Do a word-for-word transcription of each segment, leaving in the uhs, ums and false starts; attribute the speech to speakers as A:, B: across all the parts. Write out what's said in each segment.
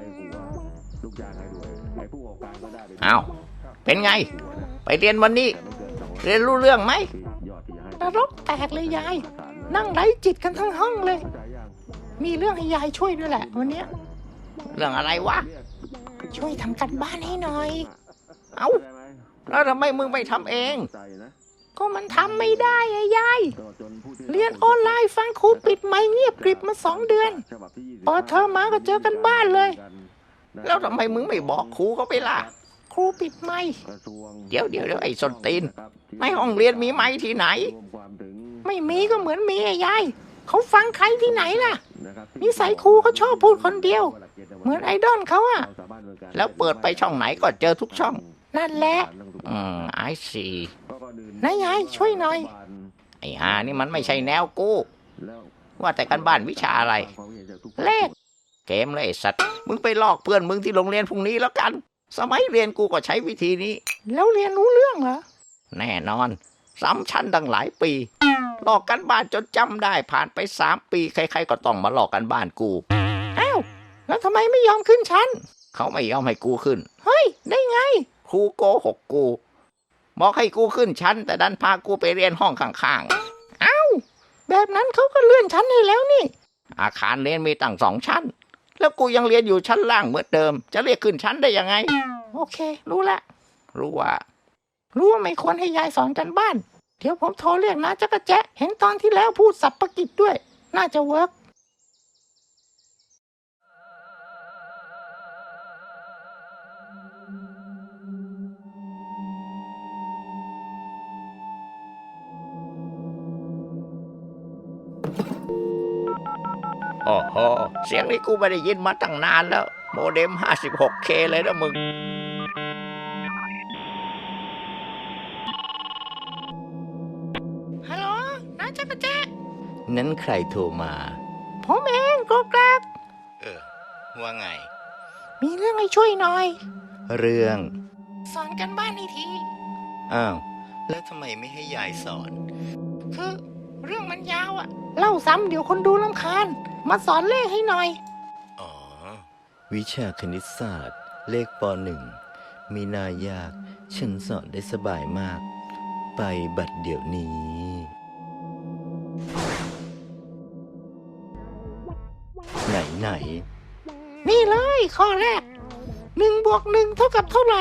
A: อ้าวเป็นไงไปเรียนวันนี้เรียนรู้เรื่องไหมนรกแตกเลยยายนั่งไร้จิตกันทั้งห้องเลยมีเรื่องให้ยายช่วยด้วยแหละวันนี้เรื่องอะไรวะช่วยทำกันบ้านให้หน่อยเอ้าแล้วทำไมมึงไม่ทำเองก็มันทำไม่ได้ไอ้ยายเรียนออนไลน์ฟังครูปิดไมค์เงียบกริบมาสองเดือนพอเธอมาก็เจอกันบ้านเลยแล้วทำไมมึงไม่บอกครูเขาไปล่ะครูปิดไมค์เดี๋ยวเดี๋ยวเดี๋ยวไอ้ส้นตีนในห้องเรียนมีไมค์ที่ไหนไม่มีก็เหมือนมีไอ้ยายเขาฟังใครที่ไหนล่ะนิสัยครูเขาชอบพูดคนเดียวเหมือนไอดอลเขาอะแล้วเปิดไปช่องไหนก็เจอทุกช่องนั่นแหละอืมไอซีนายยายช่วยหน่อยไอ้ห่านี่มันไม่ใช่แนวกูว่าแต่กันบ้านวิชาอะไรเลขเกมเลยไอ้สัตว์มึงไปลอกเพื่อนมึงที่โรงเรียนพรุ่งนี้แล้วกันสมัยเรียนกูก็ใช้วิธีนี้แล้วเรียนรู้เรื่องเหรอแน่นอนซ้ำชั้นตั้งหลายปีลอกกันบ้านจนจำได้ผ่านไปสามปีใครๆก็ต้องมาลอกกันบ้านกูอ้าวแล้วทำไมไม่ยอมขึ้นชั้นเขาไม่ยอมให้กูขึ้นเฮ้ยได้ไงครูโกหกกูบอกให้กูขึ้นชั้นแต่ดันพากูไปเรียนห้องข้างๆอ้าวแบบนั้นเขาก็เลื่อนชั้นให้แล้วนี่อาคารเรียนมีตั้งสองชั้นแล้วกูยังเรียนอยู่ชั้นล่างเหมือนเดิมจะเรียกขึ้นชั้นได้ยังไงโอเครู้ละรู้ว่ารู้ว่าไม่ควรให้ยายสอนกันบ้านเดี๋ยวผมโทรเรียกนะจักรแจ๊ะเห็นตอนที่แล้วพูดสับประกิจด้วยน่าจะเวิร์กโอ้โหเสียงนี้กูไม่ได้ยินมาตั้งนานแล้วโมเด็ม ห้าสิบหกเค เลยนะมึงฮัลโหลน้าจักรแจ๊ะนั้นใครโทรมาผมเองโกแกรกเออว่าไงมีเรื่องให้ช่วยหน่อยเรื่องสอนกันบ้านให้ทีอ้าวแล้วทำไมไม่ให้ยายสอนคือเรื่องมันยาวอะเล่าซ้ำเดี๋ยวคนดูรำคาญมาสอนเลขให้หน่อยอ๋อวิชาคณิตศาสตร์เลขปหนึ่งมีนายากฉันสอนได้สบายมากไปบัดเดี๋ยวนี้ไหนไหนนี่เลยข้อแรกหนึ่งบวกหนึ่งเท่ากับเท่าไหร่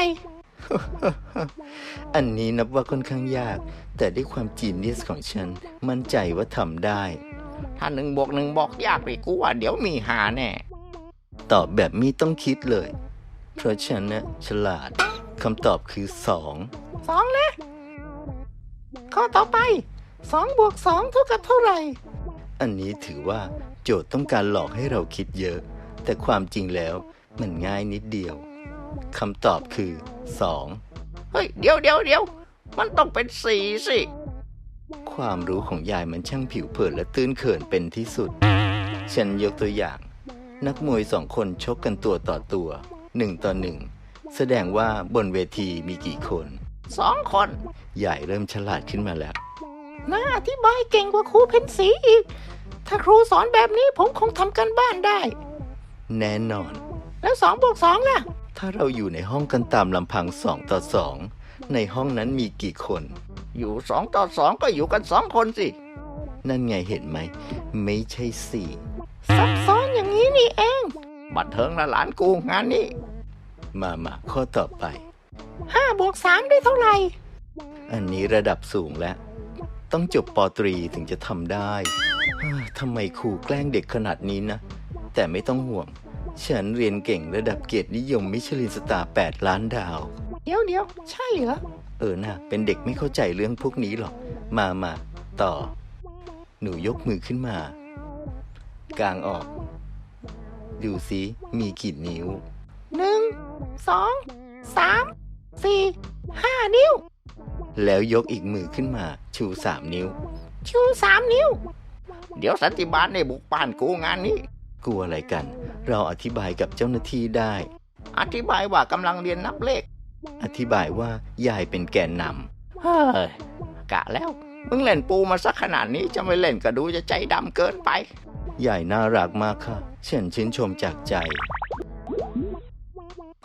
A: อันนี้นับว่าค่อนข้างยากแต่ด้วยความจีเนียสของฉันมั่นใจว่าทำได้ถ้าหนึ่งบวกหนึ่งบอกยากไปกูว่าเดี๋ยวมีหาแน่ตอบแบบมีต้องคิดเลยเพราะฉันนะฉลาดคำตอบคือสองสองนะข้อต่อไปสองบวกสองเท่ากับเท่าไหร่อันนี้ถือว่าโจทย์ต้องการหลอกให้เราคิดเยอะแต่ความจริงแล้วมันง่ายนิดเดียวคำตอบคือสองเฮ้ยเดี๋ยวเดี๋ยวเดี๋ยวมันต้องเป็นสี่สิความรู้ของยายมันช่างผิวเผินและตื้นเขินเป็นที่สุดฉันยกตัวอย่างนักมวยสองคนชกกันตัวต่อตัวหนึ่งต่อหนึ่งแสดงว่าบนเวทีมีกี่คนสองคนยายเริ่มฉลาดขึ้นมาแล้วน่าอธิบายเก่งกว่าครูเพ็ญศรีอีกถ้าครูสอนแบบนี้ผมคงทำกันบ้านได้แน่นอนแล้วสองบวกสองล่ะถ้าเราอยู่ในห้องกันตามลำพังสองต่อสองในห้องนั้นมีกี่คนอยู่สองต่อสองก็อยู่กันสองคนสินั่นไงเห็นไหมไม่ใช่สี่ซับซ้อนอย่างนี้นี่เองบัดเทิงละหลานกูงานนี้มามาข้อต่อไปห้าบวกสามได้เท่าไหร่อันนี้ระดับสูงแล้วต้องจบป.ตรีถึงจะทำได้ทำไมครูแกล้งเด็กขนาดนี้นะแต่ไม่ต้องห่วงฉันเรียนเก่งระดับเกียรตินิยมมิชลินสตาร์แปดล้านดาวเดี๋ยวเดี๋ยวใช่เหรอเออนะเป็นเด็กไม่เข้าใจเรื่องพวกนี้หรอกมามาต่อหนูยกมือขึ้นมากางออกดูสิมีกี่นิ้วหนึ่งสองสามสี่ห้านิ้วแล้วยกอีกมือขึ้นมาชูสามนิ้วชูสามนิ้วเดี๋ยวสันติบาลในบุกป่านกูงานนี้กลัวอะไรกันเราอธิบายกับเจ้าหน้าที่ได้อธิบายว่ากำลังเรียนนับเลขอธิบายว่ายายเป็นแกนนำเฮ้ยกะแล้วมึงเล่นปูมาสักขนาดนี้จะไม่เล่นก็ดูจะใจดำเกินไปยายน่ารักมากค่ะฉันชื่นชมจากใจ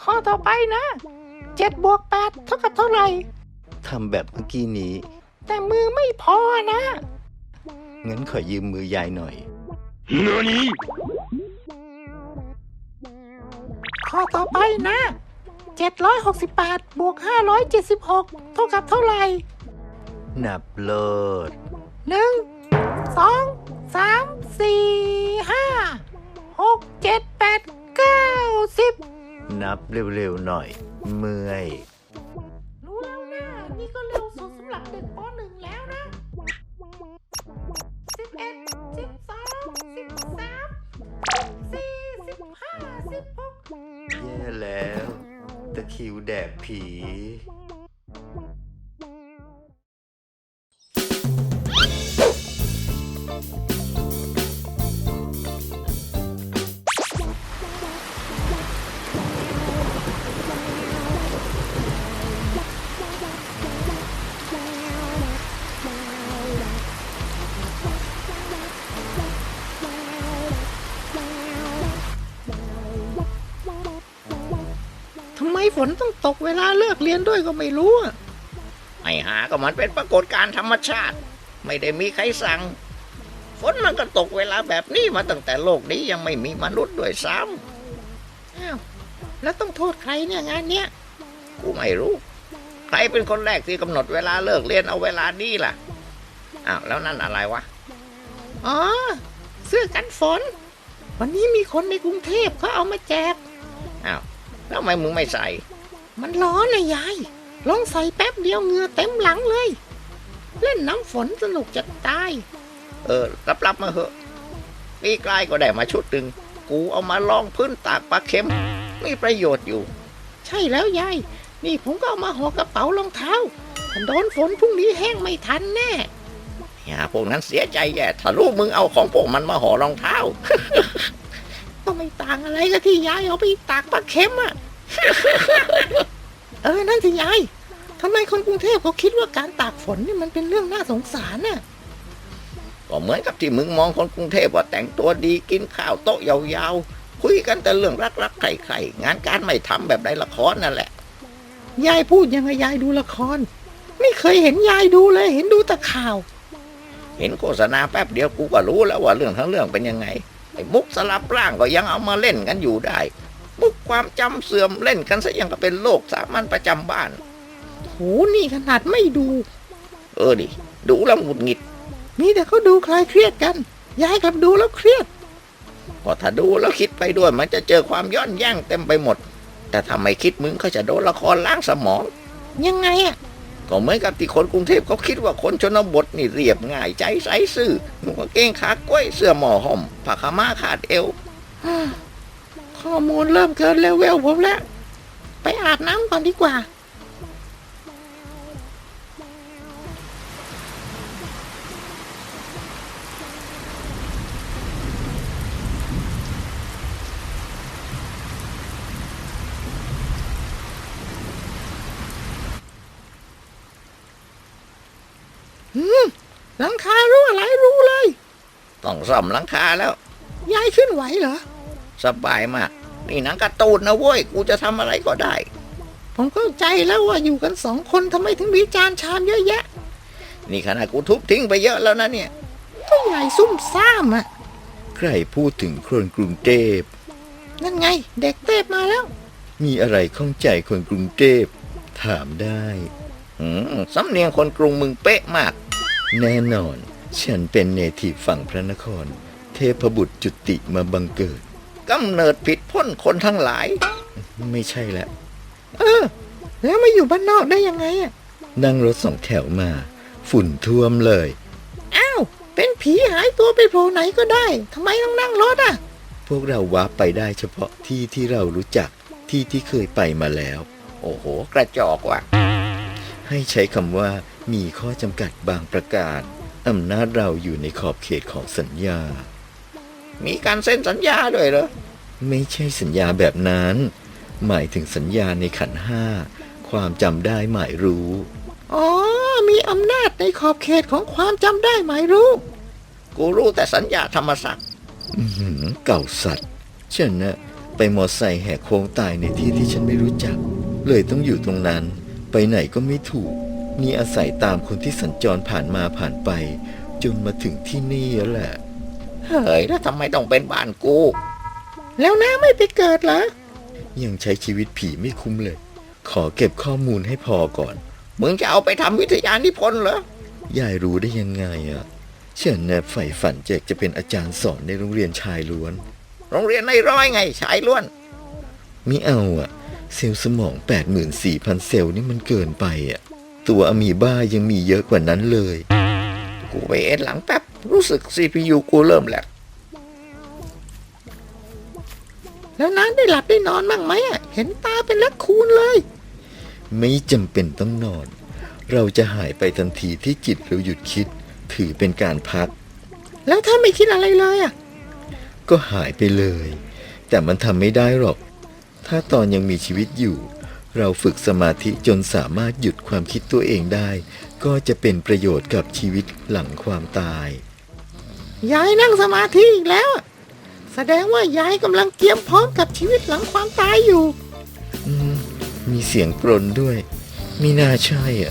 B: ข้อต่อไปนะเจ็ดบวกแปดเท่ากับเท่าไหร่
A: ทำแบบเมื่อกี้นี้
B: แต่มือไม่พอนะ
A: งั้นขอยืมมือยายหน่อย
B: ข้อต่อไปนะเจ็ดร้อยหกสิบแปดบวกห้าร้อยเจ็ดสิบหกเท่ากับเท่าไหร่
A: นับโลด
B: หนึ่งสองสามสี่ห้าหกเจ็ดแปดเก้าสิบ
A: นับเร็วๆหน่อยเมื่อย
B: รู้แล้วนะนี่ก็เร็วสุดสำหรับเด็กป.หนึ่ง แล้วนะสิบเอ็ดสิบสองสิบสามสิบสี่สิบห้าสิบหก
A: แย่แล้วตะคริวแดกผี
B: ทำไมฝนต้องตกเวลาเลิกเรียนด้วยก็ไม่รู้อ่ะ
C: ไอ้หาก็มันเป็นปรากฏการณ์ธรรมชาติไม่ได้มีใครสั่งฝนมันก็ตกเวลาแบบนี้มาตั้งแต่โลกนี้ยังไม่มีมนุษย์ด้วยซ้
B: ำอ้าวแล้วต้องโทษใครเนี่ยงานเนี้ย
C: กูไม่รู้ใครเป็นคนแรกที่กำหนดเวลาเลิกเรียนเอาเวลานี้ล่ะอ้าวแล้วนั่นอะไรวะ
B: อ๋อเสื้อกันฝนวันนี้มีคนในกรุงเทพเขาเอามาแจก
C: อ้าวแล้วทำไมมึงไม่ใส่
B: มันร้อนนะยายลองใส่แป๊บเดียวเหงื่อเต็มหลังเลยเล่นน้ำฝนสนุกจะตาย
C: เออรับรับมาเหอะปีกลายก็ได้มาชุดหนึ่งกูเอามาลองพื้นตากปลาเค็มมีประโยชน์อยู่
B: ใช่แล้วยายนี่ผมก็เอามาห่อกระเป๋ารองเท้าถ้าโดนฝนพรุ่งนี้แห้งไม่ทันแน่
C: อย่าพวกนั้นเสียใจแย่ถ้าลูกมึงเอาของพวกมันมาห่อรองเท้า
B: ก็ไม่ต่างอะไรกับที่ยายเอาไปตากปลาเค็มอ่ะ เออนั่นสิยายทำไมคนกรุงเทพเขาคิดว่าการตากฝนนี่มันเป็นเรื่องน่าสงสารน่ะ
C: ก็เหมือนกับที่มึงมองคนกรุงเทพว่าแต่งตัวดีกินข้าวโต๊ะยาวๆคุยกันแต่เรื่องรักๆใครๆงานการไม่ทำแบบในละครนั่นแหละ
B: ยายพูดยังไงยายดูละครไม่เคยเห็นยายดูเลยเห็นดูแต่ข่าว
C: เห็นโฆษณาแป๊บเดียวกูก็รู้แล้วว่าเรื่องทั้งเรื่องเป็นยังไงไอ้มุกสลับร่างก็ยังเอามาเล่นกันอยู่ได้มุกความจำเสื่อมเล่นกันซะยังก็เป็นโรคสามัญประจำบ้าน
B: โหนี่ขนาดไม่ดู
C: เออดิดูแล้วหงุดหงิด
B: มีแต่เขาดูคลายเครียดกันยายกลับดูแล้วเครียด
C: ก็ถ้าดูแล้วคิดไปด้วยมันจะเจอความย้อนแย้งเต็มไปหมดแต่ถ้าไม่คิดมึงก็จะโดนละครล้างสมอง
B: ยังไงอ่ะ
C: ก็เหมือนกับที่คนกรุงเทพเขาคิดว่าคนชนบทนี่เรียบง่ายใจใสซื่อนุ่งกางเกงขากล้วยเสื้อหมอห่มผ้าขม่าขาดเอว
B: ข้อมูลเริ่มเกินเลเวลผมแล้วไปอาบน้ำก่อนดีกว่าหลังคารั่วหลายรูเลย
C: ต้องซ่อมหลังคาแล้ว
B: ยายขึ้นไหวเหรอ
C: สบายมากนี่หนังการ์ตูนนะเว้ยกูจะทำอะไรก็ได้
B: ผมเข้าใจแล้วว่าอยู่กันสองคนทำไมถึงมีจานชามเยอะแยะ
C: นี่ขนาดกูทุบทิ้งไปเยอะแล้วนะเนี่ย
B: ก็ยายซุ่มซ่ามอ่ะ
A: ใครพูดถึงคนกรุงเทพ
B: นั่นไงเด็กเทพมาแล้ว
A: มีอะไรข้องใจคนกรุงเทพถามได้
C: อืมสำเนียงคนกรุงมึงเป๊ะมาก
A: แน่นอนฉันเป็นเนทีฟฝั่งพระนครเทพบุตรจุติมาบังเกิด
C: กำเนิดผิดพ้นคนทั้งหลาย
A: ไม่ใช่ละ
B: เออแล้วมาอยู่บ้านนอกได้ยังไงอ่ะ
A: นั่งรถสองแถวมาฝุ่นท่วมเลย
B: อ้าวเป็นผีหายตัวไปโผล่ไหนก็ได้ทำไมต้องนั่งรถอ่ะ
A: พวกเราวาร์ปไปได้เฉพาะที่ที่เรารู้จักที่ที่เคยไปมาแล้ว
C: โอ้โหกระจอกว่ะ
A: ให้ใช้คำว่ามีข้อจำกัดบางประการอำนาจเราอยู่ในขอบเขตของสัญญา
C: มีการเซ็นสัญญาด้วยเหรอ
A: ไม่ใช่สัญญาแบบนั้นหมายถึงสัญญาในขันธ์ห้าความจำได้หมายรู้
B: อ๋อมีอำนาจในขอบเขตของความจำได้หมายรู้
C: กูรู้แต่สัญญาธรรมศักดิ์
A: เก่าสัตว์ฉันน่ะไปมอไซค์แหกโค้งตายในที่ที่ฉันไม่รู้จัก เลยต้องอยู่ตรงนั้น ไปไหนก็ไม่ถูกนี่อาศัยตามคนที่สัญจรผ่านมาผ่านไป จนมาถึงที่นี่แล้วแหละ
C: เฮ้ยแล้วทำไมต้องเป็นบ้านกู
B: แล้วน้าไม่ไปเกิดเหรอ
A: ยังใช้ชีวิตผีไม่คุ้มเลย ขอเก็บข้อมูลให้พอก่อน
C: มึงจะเอาไปทำวิทยานิพนธ์เหรอ
A: ยายรู้ได้ยังไงอ่ะฉันน่ะใฝ่ฝันอยากจะเป็นอาจารย์สอนในโรงเรียนชายล้วน
C: โรงเรียนในร้อยไงชายล้วน
A: มิเอาอ่ะ เซลล์สมอง แปดหมื่นสี่พัน เซลล์นี่มันเกินไปอ่ะ ตัวอะมีบ้ายังมีเยอะกว่านั้นเลย
C: กูไปเอ็นหลังแป๊บ รู้สึก ซี พี ยู กูเริ่มแหลก
B: แล้วน้าได้หลับได้นอนบ้างไหมอ่ะ เห็นตาเป็นลักคูณเลย
A: ไม่จำเป็นต้องนอน เราจะหายไปทันทีที่จิตเราหยุดคิด ถือเป็นการพัก
B: แล้วถ้าไม่คิดอะไรเลยอ่ะ
A: ก็หายไปเลย แต่มันทำไม่ได้หรอก ถ้าตอนยังมีชีวิตอยู่ เราฝึกสมาธิจนสามารถหยุดความคิดตัวเองได้ ก็จะเป็นประโยชน์กับชีวิตหลังความตาย
B: ยายนั่งสมาธิอีกแล้วอะแสดงว่ายายกำลังเตรียมพร้อมกับชีวิตหลังความตายอยู่
A: อืม มีเสียงปรนด้วยมีน่าใช่อ่ะ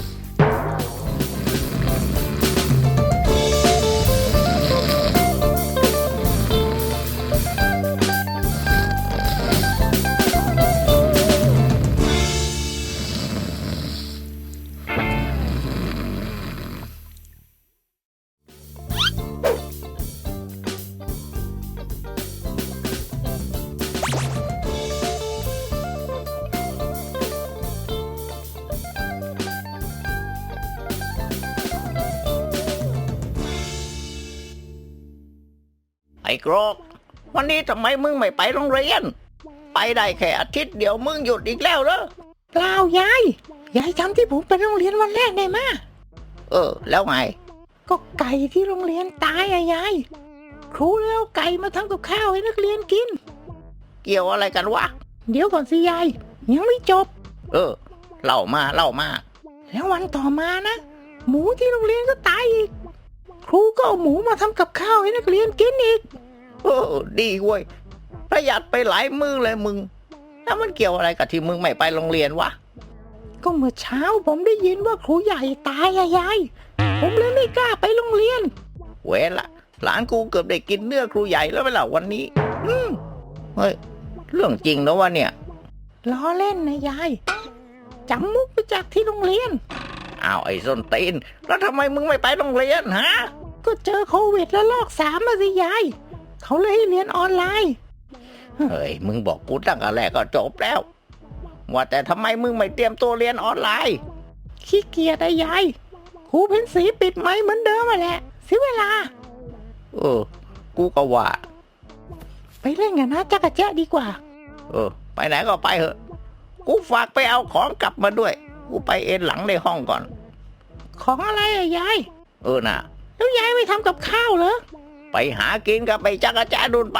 C: ไอ้โกรกวันนี้ทำไมมึงไม่ไปโรงเรียน ไปได้แค่อาทิตย์เดียวมึงหยุดอีกแล้วเหรอ
B: เปล่ายาย ยายจำที่ผมไปโรงเรียนวันแรกได้ไหมย
C: เออ แล้วไง
B: ก็ไก่ที่โรงเรียนตายอะยาย ครูเลยเอาไก่มาทำกับข้าวให้นักเรียนกิน
C: เกี่ยวอะไรกันวะ
B: เดี๋ยวก่อนสิยาย ยังไม่จบ
C: เออ เล่ามาเล่ามา
B: แล้ววันต่อมานะ หมูที่โรงเรียนก็ตายอีก ครูก็เอาหมูมาทำกับข้าวให้นักเรียนกินอีก
C: เออ ดีเว้ย ประหยัดไปหลายมือเลยมึง แล้วมันเกี่ยวอะไรกับที่มึงไม่ไปโรงเรียนวะ
B: ก็เมื่อเช้าผมได้ยินว่าครูใหญ่ตายอะยาย ผมเลยไม่กล้าไปโรงเรียน
C: เวรละ หลานกูเกือบได้กินเนื้อครูใหญ่แล้วเวลาวันนี้ อืมเฮ้ย เรื่องจริงนะวะเนี่ย
B: ล้อเล่นนะยายจำมุกไปจากที่โรงเรียน
C: อ้าวไอ้ส้นตีน แล้วทำไมมึงไม่ไปโรงเรียนฮะ
B: ก็เจอโควิดแล้วลอกสามมาสิยาย เขาเลยให้เรียนออนไลน์
C: เฮ้ย มึงบอกกูตั้งแต่แรกก็จบแล้ว ว่าแต่ทำไมมึงไม่เตรียมตัวเรียนออนไลน์
B: ขี้เกียจอะยาย ครูเพ็ญศรีปิดไมค์เหมือนเดิมมาแหละเสียเวลา
C: เออ กูก็ว่า
B: ไปเล่นกันนะจักรแจ๊ะดีกว่า
C: เออ ไปไหนก็ไปเถอะ กูฝากไปเอาของกลับมาด้วย กูไปเอนหลังในห้องก่อน
B: ของอะไรอะยาย
C: เออน่ะ
B: แล้วยายไม่ทำกับข้าวเหรอ
C: ไปหากินกับไปจักรจ้าดุนไป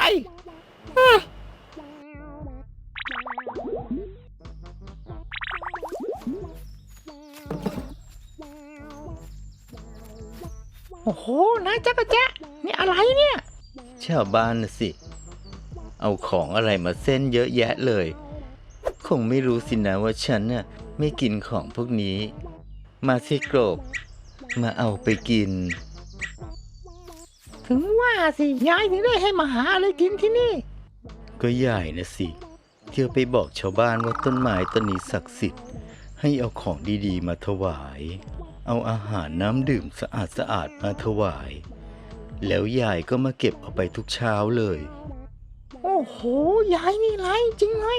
B: โอ้โหนายจักรแจ๊ะนี่อะไรเนี่ย
A: ชาวบ้านน่ะสิ เอาของอะไรมาเส้นเยอะแยะเลย คงไม่รู้สินะว่าฉันน่ะไม่กินของพวกนี้ มาสิโกรก มาเอาไปกิน
B: ถึงว่าสิยายถึงได้ให้มาหาอะไรกินที่นี่
A: ก็ใหญ่นะสิ เที่ยวไปบอกชาวบ้านว่าต้นไม้ต้นนี้ศักดิ์สิทธิ์ ให้เอาของดีๆมาถวาย เอาอาหารน้ำดื่มสะอาดๆมาถวาย แล้วยายก็มาเก็บเอาไปทุกเช้าเลย
B: โอ้โหยายนี่ไรจริงเลย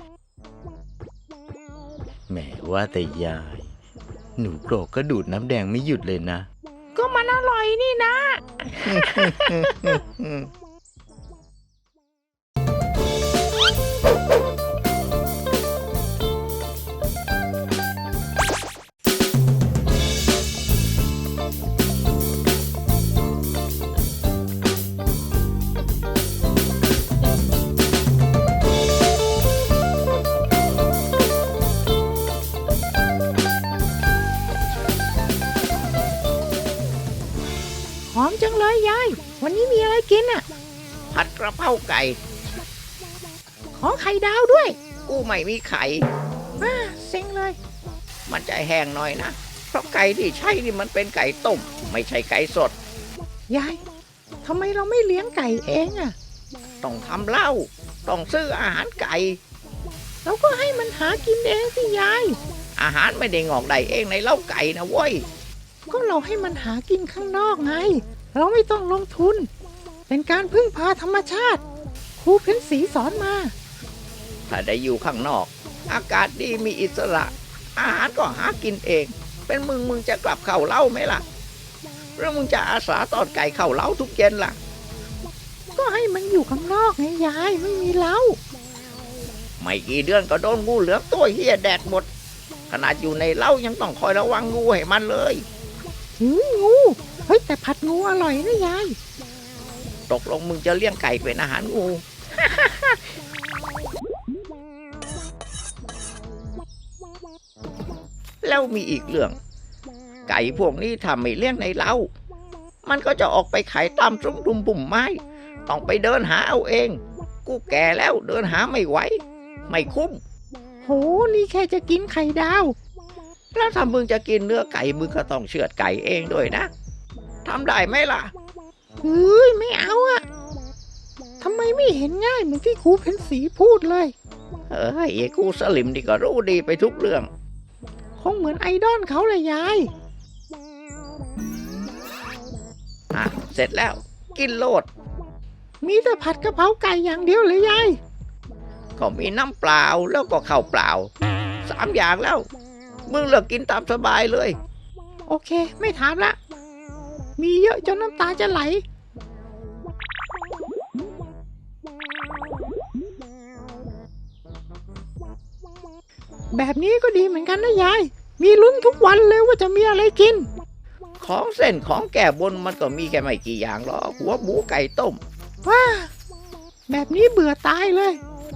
A: แหมว่าแต่ยาย หนูโกรกก็ดูดน้ำแดงไม่หยุดเลยนะ
B: ก็มันอร่อยนี่นะ หอมจังเลยยาย วันนี้มีอะไรกินอ่ะ
C: ผัดกระเพราไก่
B: ขออไข่ดาวด้วย
C: กูไม่มีไข่
B: อ่าเซ็งเลย
C: มันจะแห้งหน่อยนะเพราะไก่ที่ใช่นี่มันเป็นไก่ต้มไม่ใช่ไก่สด
B: ยายทำไมเราไม่เลี้ยงไก่เองอะ
C: ต้องทำเหล้าต้องซื้ออาหารไก่
B: เราก็ให้มันหากินเองสิยาย
C: อาหารไม่ได้งอกได้เองในเล้าไก่นะเว้ย
B: ก็เราให้มันหากินข้างนอกไง เราไม่ต้องลงทุน เป็นการพึ่งพาธรรมชาติครูเพ็ญศรีสอนมา
C: ถ้าได้อยู่ข้างนอก อากาศดีมีอิสระ อาหารก็หากินเอง เป็นมึงมึงจะกลับเข้าเล้าไหมล่ะหรือมึงจะอาสาตอดไก่เข้าเล้าทุกเย็นล่ะ
B: ก็ให้มันอยู่ข้างนอกไงยายไม่มีเล้า
C: ไม่กี่เดือนก็โดนงูเหลือมตัวเฮียแดกหมด ขนาดอยู่ในเล้ายังต้องคอยระวังงูให้มันเลย
B: หืองู เฮ้ยแต่ผัดงูอร่อยนะยาย
C: ตกลงมึงจะเลี้ยงไก่เป็นอาหารงู แล้วมีอีกเรื่อง ไก่พวกนี้ทำไม่เลี้ยงในเล้า มันก็จะออกไปขายตามซุ้มดุมบุ่มไม้ ต้องไปเดินหาเอาเอง กูแก่แล้วเดินหาไม่ไหว ไม่คุ้ม
B: โห นี่แค่จะกินไข่ดาว
C: แล้วถ้ามึงจะกินเนื้อไก่มึงก็ต้องเชือดไก่เองด้วยนะทำได้ไหมล่ะ
B: เฮ้ยไม่เอาอะทำไมไม่เห็นง่ายเหมือนที่ครูเพ็ญศรีพูดเลย
C: เอ้ยไอ้กูสลิมนี่ก็รู้ดีไปทุกเรื่อง
B: คงเหมือนไอดอลเขาเลยยาย
C: อ่ะ เสร็จแล้ว กินโลด
B: มีแต่ผัดกะเพราไก่อย่างเดียวเลยยาย
C: ก็มีน้ำเปล่าแล้วก็ข้าวเปล่าสามอย่างแล้ว มึงเลือกกินตามสบายเลย
B: โอเค ไม่ถามละ มีเยอะจนน้ำตาจะไหล แบบนี้ก็ดีเหมือนกันนะยาย มีลุ้นทุกวันเลยว่าจะมีอะไรกิน
C: ของเส้นของแก่บนมันก็มีแค่ไม่กี่อย่างหรอกหัวหมูไก่ต้ม
B: ว้า แบบนี้เบื่อตายเลย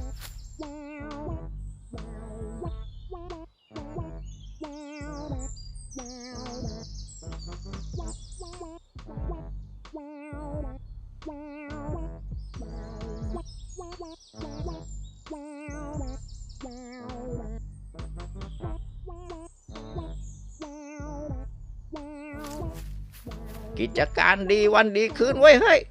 C: กิจการดีวันดีคืนไว้ยเฮ้ย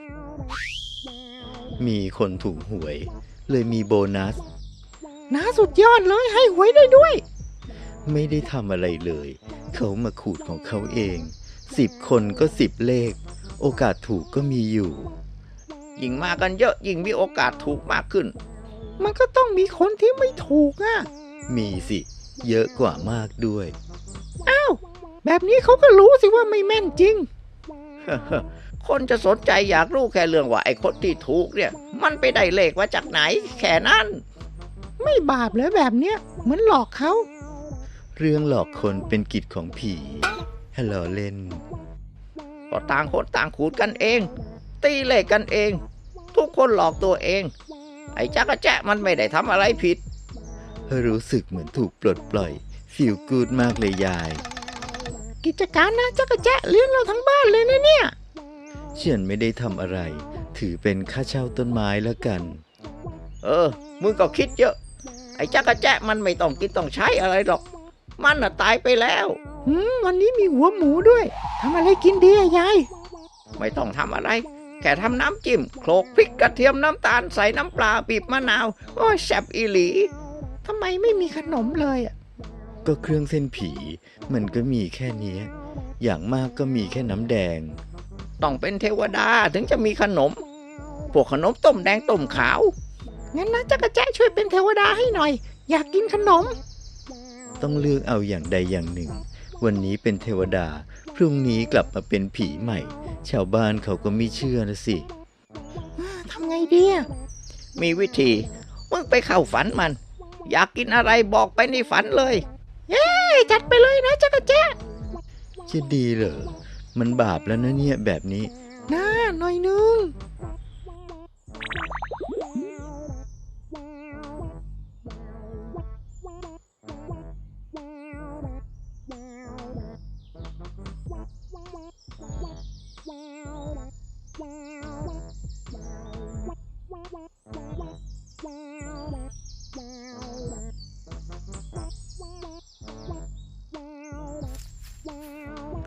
A: มีคนถูกหวย เลยมีโบนัส
B: น้าสุดยอดเลยให้หวยได้ด้วย
A: ไม่ได้ทำอะไรเลย เขามาขูดของเขาเอง สิบคนก็สิบเลข โอกาสถูกก็มีอยู่
C: ยิ่งมากันเยอะยิ่งมีโอกาสถูกมากขึ้น
B: มันก็ต้องมีคนที่ไม่ถูกอ่ะ
A: มีสิ เยอะกว่ามากด้วย
B: อ้าว แบบนี้เขาก็รู้สิว่าไม่แม่นจริง
C: คนจะสนใจอยากรู้แค่เรื่องว่าไอ้คนที่ถูกเนี่ย มันไปได้เลขมาจากไหน แค่นั้น
B: ไม่บาปเลยแบบเนี้ยเหมือนหลอกเขา
A: เรื่องหลอกคนเป็นกิจของผีฮัลโหลเล่น
C: ก็ต่างคนต่างขูดกันเอง ตีเลขกันเอง ทุกคนหลอกตัวเอง ไอ้จักรแจ๊ะมันไม่ได้ทำอะไรผิด
A: รู้สึกเหมือนถูกปลดปล่อยฟีลกูดมากเลยยาย
B: กิจการนะจักรแจ๊ะเลี้ยงเราทั้งบ้านเลยนะเนี่ย
A: ฉันไม่ได้ทำอะไร ถือเป็นค่าเช่าต้นไม้แล้วกัน
C: เออ มึงก็คิดเยอะ ไอ้จักรแจ๊ะมันไม่ต้องกินต้องใช้อะไรหรอก มันน่ะตายไปแล้ว
B: หืมวันนี้มีหัวหมูด้วยทำอะไรกินดีอะยาย
C: ไม่ต้องทำอะไร แค่ทำน้ำจิ้มโขลกพริกกระเทียมน้ำตาลใส่น้ำปลาบีบมะนาวโอ้ยแซ่บอีหลี
B: ทำไมไม่มีขนมเลยอะ
A: ก็เครื่องเส้นผีมันก็มีแค่เนี้ย อย่างมากก็มีแค่น้ำแดง
C: ต้องเป็นเทวดาถึงจะมีขนม พวกขนมต้มแดงต้มขาว
B: งั้นนะจักรแจ๊ะช่วยเป็นเทวดาให้หน่อย อยากกินขนม
A: ต้องเลือกเอาอย่างใดอย่างหนึ่ง วันนี้เป็นเทวดา พรุ่งนี้กลับมาเป็นผีใหม่ ชาวบ้านเขาก็ไม่เชื่อนะสิ
B: ทำไงดีอะ
C: มีวิธี มึงไปเข้าฝันมัน อยากกินอะไรบอกไปในฝันเลย
B: เย้จัดไปเลยนะจักรแจ๊ะ
A: จะดีเหรอ มันบาปแล้วนะเนี่ยแบบนี้
B: น่าหน่อยนึง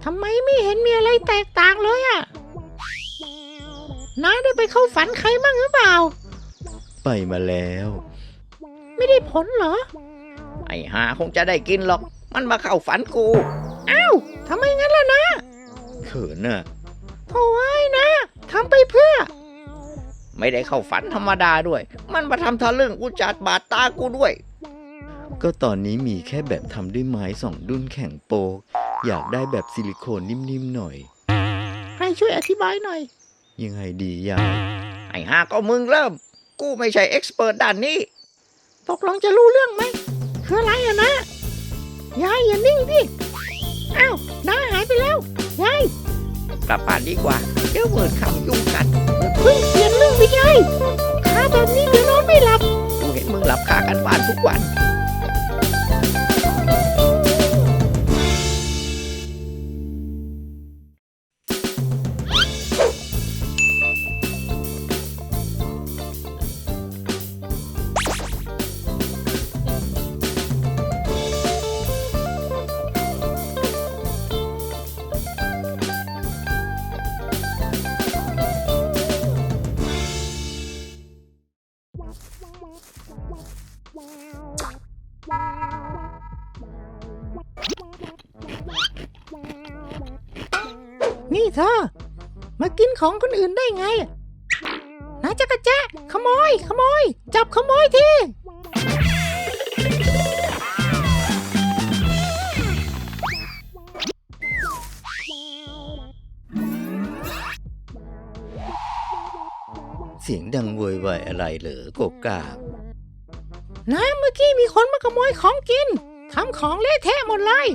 B: ทำไมไม่เห็นมีอะไรแตกต่างเลยอะน้าได้ไปเข้าฝันใครบ้างหรือเปล่า
A: ไปมาแล้ว
B: ไม่ได้ผลเหรอ
C: ไอ้หาคงจะได้กินหรอก มันมาเข้าฝันกู
B: อ้าวทำไมงั้นล่ะนะ
A: เขินน่ะ
B: โถ่ไอ้นะทำไปเพื่อ
C: ไม่ได้เข้าฝันธรรมดาด้วย มันมาทำทะลึ่งอุจจาดบาดตากูด้วย
A: ก็ตอนนี้มีแค่แบบทำด้วยไม้สองดุ้นแข็งโปก อยากได้แบบซิลิโคนนิ่มๆหน่อย
B: ให้ช่วยอธิบายหน่อย
A: ยังไงดียาย
C: ไอ้หาก็มึงเริ่ม กูไม่ใช่เอ็กซ์เพรสด้านนี้
B: ตกลงจะรู้เรื่องไหมคืออะไรอะนะยายอย่านิ่งดิอ้าวน้าหายไปแล้วยาย
C: กลับบ้านดีกว่า เดี๋ยวเวิร์ดคำยุ่งกัน
B: เพิ่งเปลี่ยนเรื่องไปยายขาแบบนี้เดี๋ยวนอนไม่หลับ
C: กูเห็นมึงหลับคากันบ้านทุกวัน
B: นี่เธอ มากินของคนอื่นได้ไงนาจักรแจ๊ะขโมย ขโมย จับขโมยที
A: เสียงดังโวยวายอะไรเหรอโกกาก
B: นะเมื่อกี้มีคนมาขโมยของกินทำของเละเทะหมดเลย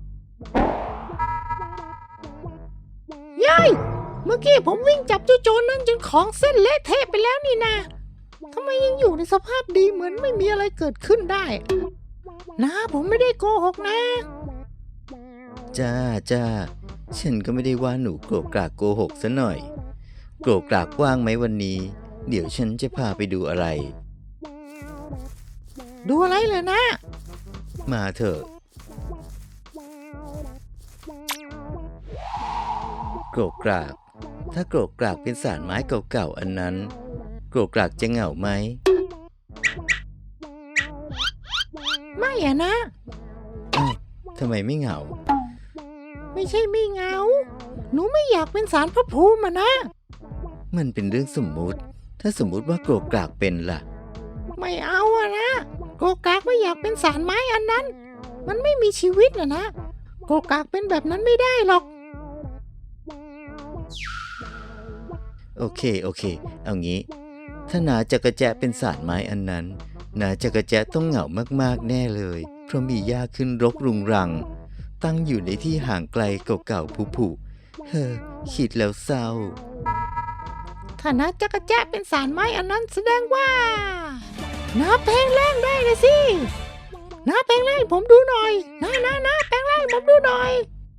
B: ยายเมื่อกี้ผมวิ่งจับเจ้าโจรนั่นจนของเส้นเละเทะไปแล้วนี่นาทำไมยังอยู่ในสภาพดีเหมือนไม่มีอะไรเกิดขึ้นได้นะผมไม่ได้โกหกนะ
A: จ้าจ้าฉันก็ไม่ได้ว่าหนูโกรกกรากโกหกซะหน่อย โกรกกรากว่างไหมวันนี้ เดี๋ยวฉันจะพาไปดูอะไร
B: ดูอะไรเลยนะ
A: มาเถอะ โกรกกราก ถ้าโกรกกรากเป็นสารไม้เก่าๆอันนั้น โกรกกรากจะเหงาไหม
B: ไม่อะนะ
A: อ้าวทำไมไม่เหงา
B: ไม่ใช่ไม่เหงาหนูไม่อยากเป็นสารพระภูมิอะนะ
A: มันเป็นเรื่องสมมุติ ถ้าสมมุติว่าโกรกกรากเป็นล่ะ
B: ไม่เอาอะนะโกกากไม่อยากเป็นสารไม้อันนั้น มันไม่มีชีวิตนะนะโกกากเป็นแบบนั้นไม่ได้หรอก
A: โอเคโอเค เอางี้ ถ้านาจักรแจะเป็นสารไม้อันนั้น นาจักรแจะต้องเหงามากๆแน่เลย เพราะมีหญ้าขึ้นรกรุงรัง ตั้งอยู่ในที่ห่างไกลเก่าๆผุๆเฮ้อคิดแล้วเศร้า
B: ถ้านะจักรแจ๊ะเป็นสารไม้อันนั้นแสดงว่าน้าแปลงร่างได้เลยสิน้าแปลงร่างให้ผมดูหน่อยน้าน้าน้าแปลงร่างให้ผมดูหน่อย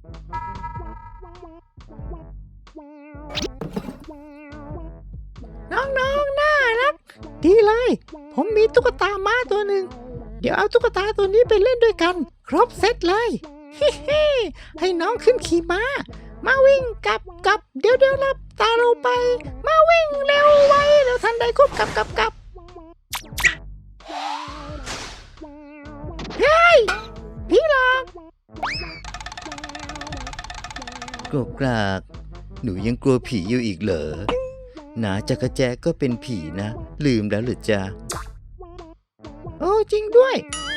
B: น้องๆน่ารัก ดีเลย ผมมีตุ๊กตาม้าตัวหนึ่ง เดี๋ยวเอาตุ๊กตาตัวนี้ไปเล่นด้วยกัน ครบเซตเลยฮิฮิให้น้องขึ้นขี่ม้า มาวิ่งกลับกลับเดี๋ยวเดี๋ยวรับตาเราไป มาวิ่งเร็วไวแล้วทันใดควบกลับกลับกลับเฮ้ยพี่หลอก
A: โกรกกราก หนูยังกลัวผีอยู่อีกเหรอนาจักรแจะก็เป็นผีนะ ลืมแล้วหรือจ๊ะ
B: โอ้จริงด้วย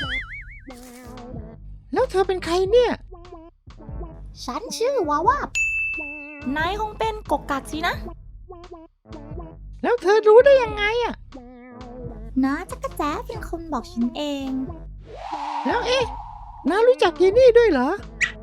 B: แล้วเธอเป็นใครเนี่ย
D: ฉันชื่อวาวาบนายคงเป็นกกกักสินะ
B: แล้วเธอรู้ได้ยังไงอะ
D: น้าจักรแจ๊เป็นคนบอกฉันเอง
B: แล้วเอ๊ะน้ารู้จักเยนนี่ด้วยเหรอ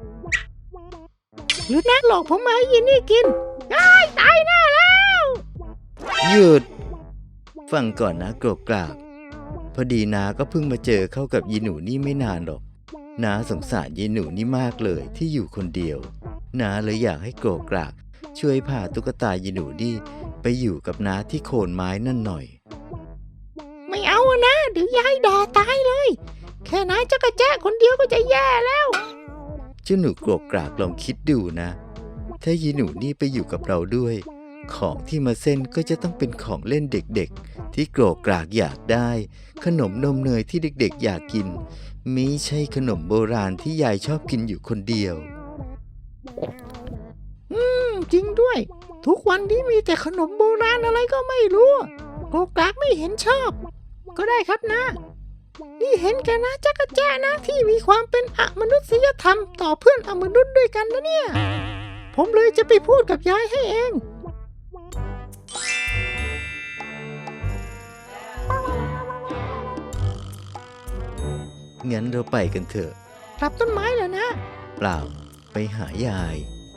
B: หรือน้าหลอกผมมาให้เยนนี่กินอ้ายตายแน่แล้ว
A: หยุด ฟังก่อนนะโกรกกราก พอดีนาก็เพิ่งมาเจอเข้ากับยีหนูนี่ไม่นานหรอกนาสงสารยีหนูนี่มากเลยที่อยู่คนเดียวนาเลยอยากให้โกรกกรากช่วยพาตุ๊กตายีหนูนี่ไปอยู่กับนาที่โคนไม้นั่นหน่อย
B: ไม่เอาอะนะเดี๋ยวยายด่าตายเลย แค่นายจักรแจ๊คนเดียวก็จะแย่แล้ว
A: เจ้าหนูโกรกกรากลองคิดดูนะ ถ้ายีหนูนี่ไปอยู่กับเราด้วย ของที่มาเส้นก็จะต้องเป็นของเล่นเด็กๆที่โกรกกรากอยากได้ ขนมนมเนยที่เด็กๆอยากกินไม่ใช่ขนมโบราณที่ยายชอบกินอยู่คนเดียว
B: อืม จริงด้วย ทุกวันนี้มีแต่ขนมโบราณอะไรก็ไม่รู้โกรกกรากไม่เห็นชอบ ก็ได้ครับนะ นี่เห็นแกนะจักรแจ้นะที่มีความเป็นอมนุษยธรรมต่อเพื่อนอมนุษย์ด้วยกันนะเนี่ย ผมเลยจะไปพูดกับยายให้เอง
A: งั้นเราไปกันเถอะ
B: กลับต้นไม้เหรอนะ
A: เปล่าไปหายาย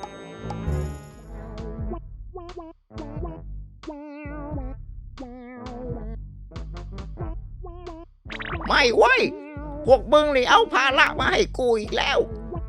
C: ไม่เว้ย พวกมึงนี่เอาภาระมาให้กูอีกแล้ว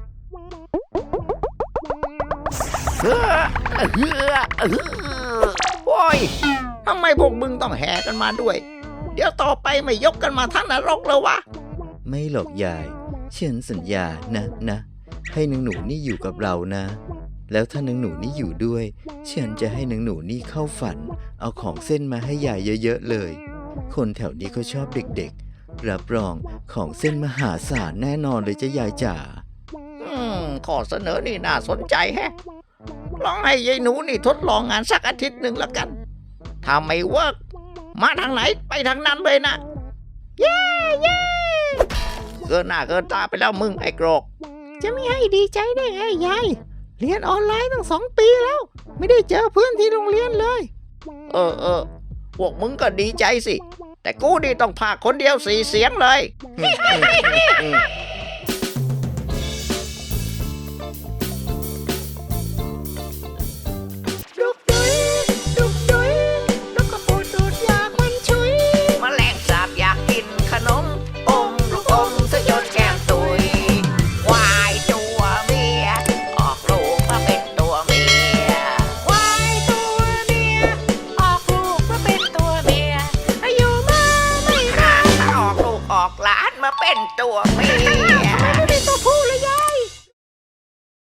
C: เฮ้อเฮ้อเฮ้อโอ้ยทำไมพวกมึงต้องแห่กันมาด้วย เดี๋ยวต่อไปไม่ยกกันมาทั้งนรกแล้ววะ
A: ไม่หรอกยายฉันสัญญานะนะ ให้นางหนูนี่อยู่กับเรานะ แล้วถ้านางหนูนี่อยู่ด้วยฉันจะให้นางหนูนี่เข้าฝัน เอาของเส้นมาให้ยายเยอะๆเลย คนแถวนี้เขาชอบเด็กๆ รับรองของเส้นมหาศาลแน่นอนเลยจ้ะยายจ๋า
C: อืมข้อเสนอนี่น่าสนใจแฮะ ลองให้ยายหนูนี่ทดลองงานสักอาทิตย์หนึ่งละกัน ถ้าไม่เวิร์กมาทางไหนไปทางนั้นเลยนะ เย้เย้เกินหน้าเกินตาไปแล้วมึงไอ้โกรก
B: จะไม่ให้ดีใจได้ไงยาย เรียนออนไลน์ตั้งสองปีแล้ว ไม่ได้เจอเพื่อนที่โรงเรียนเลย
C: เออเออพวกมึงก็ดีใจสิ แต่กูนี่ต้องพากคนเดียวสี่เสียงเลย